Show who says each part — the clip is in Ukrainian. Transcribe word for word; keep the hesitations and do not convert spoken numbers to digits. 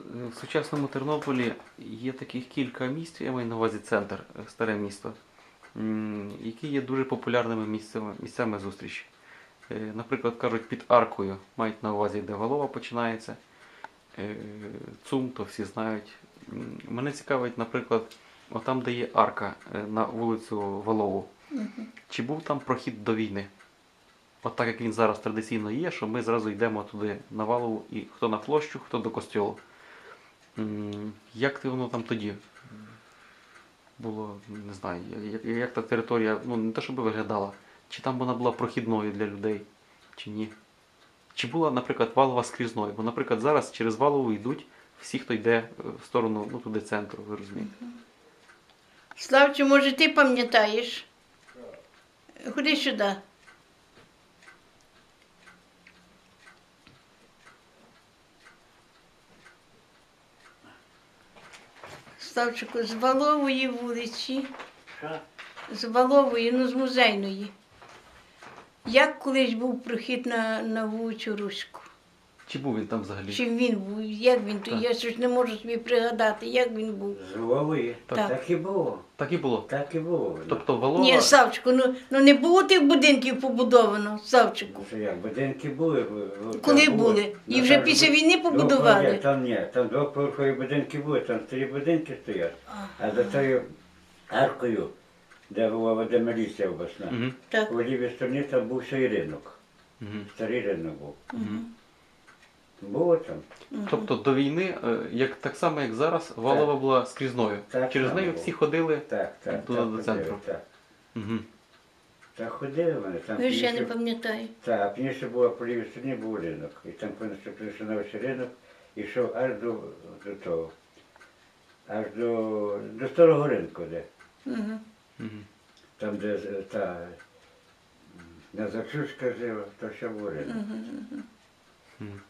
Speaker 1: в сучасному Тернополі є таких кілька місць, я маю на увазі центр, старе місто, м, які є дуже популярними місцями, місцями зустрічі. Е, Наприклад, кажуть, під аркою мають на увазі, де Валова починається. Е, ЦУМ, то всі знають. М, Мене цікавить, наприклад, отам, де є арка е, на вулицю Валову. Чи був там прохід до війни? От так як він зараз традиційно є, що ми зразу йдемо туди на Валову, і хто на площу, хто до костьолу. М, Як ти воно там тоді було, не знаю, як, як та територія, ну не те, щоб виглядала, чи там вона була прохідною для людей, чи ні? Чи була, наприклад, Валова скрізною? Бо, наприклад, зараз через Валову йдуть всі, хто йде е, в сторону, ну туди центру, ви розумієте?
Speaker 2: Славче, може, ти пам'ятаєш? Ходи сюди. Славчику, з Валової вулиці,
Speaker 3: Що?
Speaker 2: з Валової, ну з Музейної. Як колись був прохід на, на вулицю Руську?
Speaker 1: Чи був він там взагалі?
Speaker 2: Чим він був? Як він?
Speaker 1: Так.
Speaker 2: Я щось не можу собі пригадати, як він був.
Speaker 3: З Львової.
Speaker 2: Так.
Speaker 3: Так і було.
Speaker 1: Так і було.
Speaker 3: Так і було.
Speaker 1: Тобто Валова...
Speaker 2: Ні, Савчику, ну, ну не було тих будинків побудовано, Савчику.
Speaker 3: Ну, що як, будинки були. в- в-
Speaker 2: Коли
Speaker 3: там
Speaker 2: були? І
Speaker 3: Ну,
Speaker 2: вже
Speaker 3: там
Speaker 2: після
Speaker 3: бу-
Speaker 2: війни
Speaker 3: двоповерхові,
Speaker 2: побудували?
Speaker 3: Там ні, там двоповерхові будинки були, там старі будинки стоять. А за тою аркою, де була водомиліція обласна,
Speaker 1: Мгм.
Speaker 2: Так.
Speaker 3: у лівій стороні там був ще й ринок.
Speaker 1: Мгм.
Speaker 3: Старий ринок був. Було там.
Speaker 1: Тобто до війни, е, як, так само як зараз, Валова була скрізною.
Speaker 3: Так
Speaker 1: Через
Speaker 3: само
Speaker 1: нею
Speaker 3: було.
Speaker 1: всі ходили.
Speaker 3: Так, так.
Speaker 1: Туди
Speaker 3: так
Speaker 1: до
Speaker 3: ходили,
Speaker 1: центру.
Speaker 3: Так.
Speaker 1: Угу.
Speaker 3: Так ходили вони. Там
Speaker 2: Ви ще не
Speaker 3: пізніше-
Speaker 2: пам'ятаю.
Speaker 3: Так, а пізніше було по лівій стороні був ринок. І там, коли наступився на ось ринок, йшов аж до, до того. Аж до, до старого ринку, де.
Speaker 2: Угу.
Speaker 1: Угу.
Speaker 3: Там, де з- та Назарчушка жила, то ще був ринок.
Speaker 1: Угу.